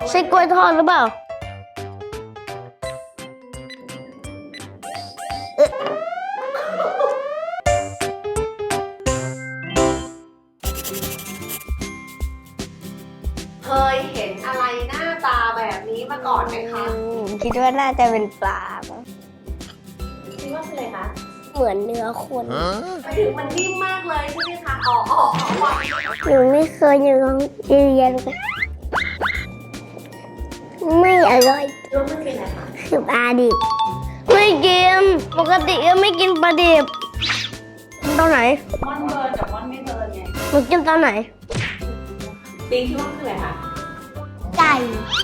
ใช่กล้วยทอดหรือเปล่าเคยเห็นอะไรหน้าตาแบบนี้มาก่อนไหมคะคิดว่าน่าจะเป็นปลามั้งคิดว่าเป็นอะไรคะเหมือนเนื้อคนไปถึงมันนิ่มมากเลยใช่ไหมคะอ๋อว่าหนูไม่เคยอยู่โรงเรียนเลยไม่อร่อยรู้มันเป็นอะไรคะคือปลาดิบไม่กินปกติก็ไม่กินปลาดิบกินตอนไหนม่อนเบิร์นกับม่อนไม่เบิร์นไงหนูกินตอนไหนปิงคิดว่าเป็นอะไรคะไก่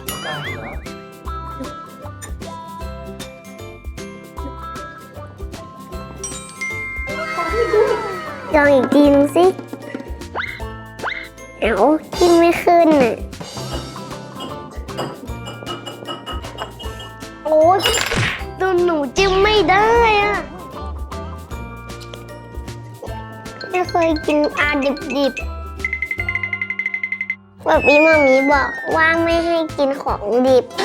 ลองอีกทีนึงสิเอ้ากินไม่ขึ้นน่ะโอ้ยตัวหนูจิ้มไม่ได้อะไม่เคยกินปลาดิบๆแบบนี้มามีบอกว่าไม่ให้กินของดิบ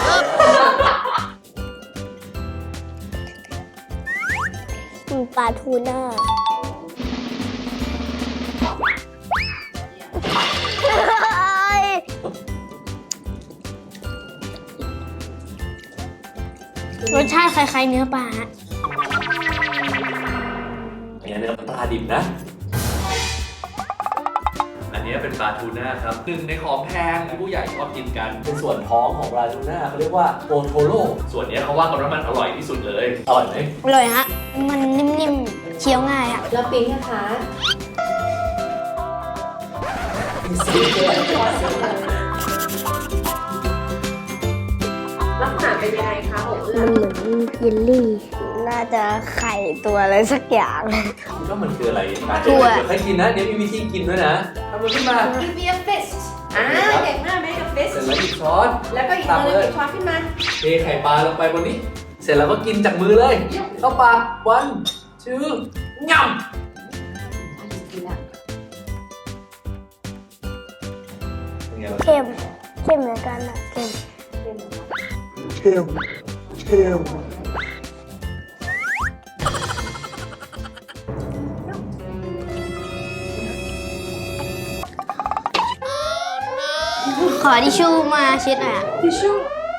ปลาทูน่ารสชาติคล้ายๆเนื้อปลาฮะอันนี้เนื้อปลาดิบนะ อันนี้เป็นปลาทูน่าครับหนึ่งในของแพงที่ผู้ใหญ่ชอบกินกัน เป็นส่วนท้องของปลาทูน่าเขาเรียกว่าโอโทโร่ ส่วนนี้เขาว่ากันว่ามันอร่อยที่สุดเลย อร่อยไหมอร่อยฮะ มันนิ่มๆ เคี้ยวง่ายอะแล้วปิงนะคะ ลักษณะเป็นยังไงคะโอ้เอื้มัอนเหมือนเยลลี่ น่าจะไข่ตัวอะไรสักอย่างก็มันคืออะไรมาถั่เดี๋ยว วให้กินนะ เดี๋ยวมีวิธีกินด้วยนะทำมันขึ้นมาคือเบียร์ฟิสเก่งมากไหมกับฟิสเสร็จแล้วหยิบช้อนแล้วก็อีกมือหนึ่งหยิบช้อนขึ้นมาเทไข่ปลาลงไปบนนี้ เสร็จแล้วก็กินจากมือเลยเข้าปากวันชื่อง่ำเป็นไงบ้างเค็ม เค็มเหมือนกันอะเค็ม ขอทิชชู่มาเช็ดหน่อยอะทิชชู่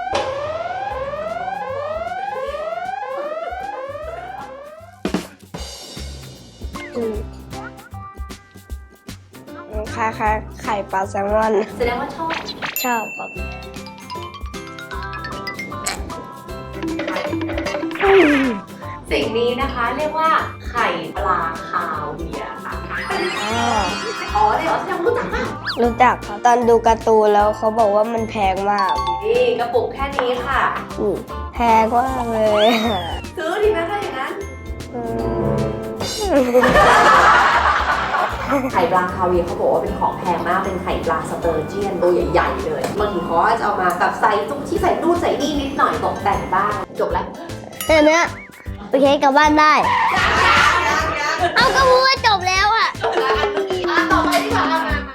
คล้ายๆไข่ปลาแซลมอนแสดงว่าชอบชอบครับสิ่งนี้นะคะเรียกว่าไข่ปลาคาเวียร์ค่ะอ๋อเลยเหรอแสดงว่ารู้จักมากรู้จักครับตอนดูการ์ตูนแล้วเขาบอกว่ามันแพงมากนี่กระปุกแค่นี้ค่ะแพงมากเลยซื้อดีไหมถ้าอย่างนั้น ไข่ปลาคาเวียร์เขาบอกว่าเป็นของแพงมาก เป็นไข่ปลาสเตอร์เจียนตัวใหญ่ๆเลยบางทีเขาก็จะเอามาแบบใส่ตุ้งที่ใส่นู่นใส่นี่นิดหน่อยตกแต่งบ้างจบแล้วแต่เนี้ยโอเคกลับบ้านได้ เอาก็พูดว่าจบแล้วอ่ะต่อไปดีกว่า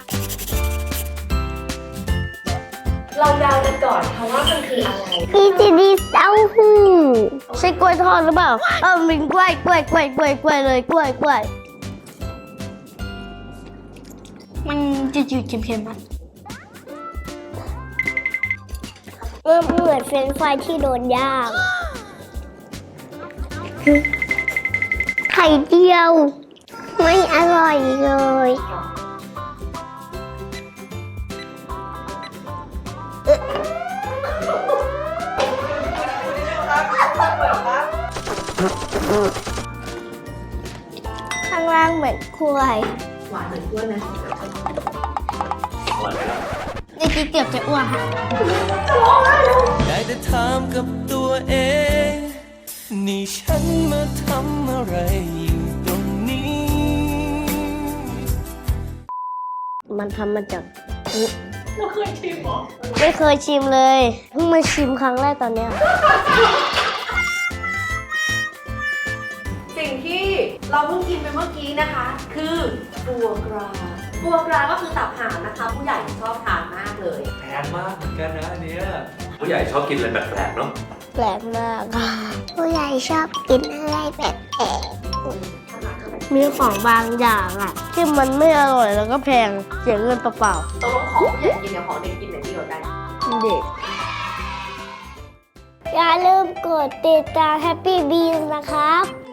เราเดากันก่อนค่ะว่ามันคืออะไรพี่จีดีเต้าหู้ใช่กล้วยทอดหรือเปล่าเป็นกล้วยเลยกล้วยมันจืดๆเค็มๆมั้ยเหมือนเฟรนช์ฟรายที่โดนย่างไข่เจียว ไม่อร่อยเลยข้างล่างเหมือนกล้วยหวานเหมือนกล้วยไหมอร่อยไหมล่ะในที่เกือบจะอ้วนค่ะได้แต่ถามกับตัวเอง นี่ฉันมาทำอะไรอยู่ตรงนี้มันทำมาจากเราเคยชิมหรอไม่เคยชิมเลยเพิ่งมาชิมครั้งแรกตอนเนี้ยสิ่งที่เราเพิ่งกินไปเมื่อกี้นะคะ คือฟัวกราฟัวกราก็คือตับห่านนะคะ ผู้ใหญ่ชอบทานมากเลยแพงมากเหมือนกันนะอันเนี้ยผู้ใหญ่ชอบกินอะไรแปลกๆเนาะแปลกมากค่ะผู้ใหญ่ชอบกินอะไรแปลกๆมีของบางอย่างอะที่มันไม่อร่อยแล้วก็แพงเสียเงินเปล่าตกลงของผู้ใหญ่กินกับของเด็กกินไหนดีกว่ากันๆเด็กอย่าลืมกดติดตาม Happy Beans นะครับ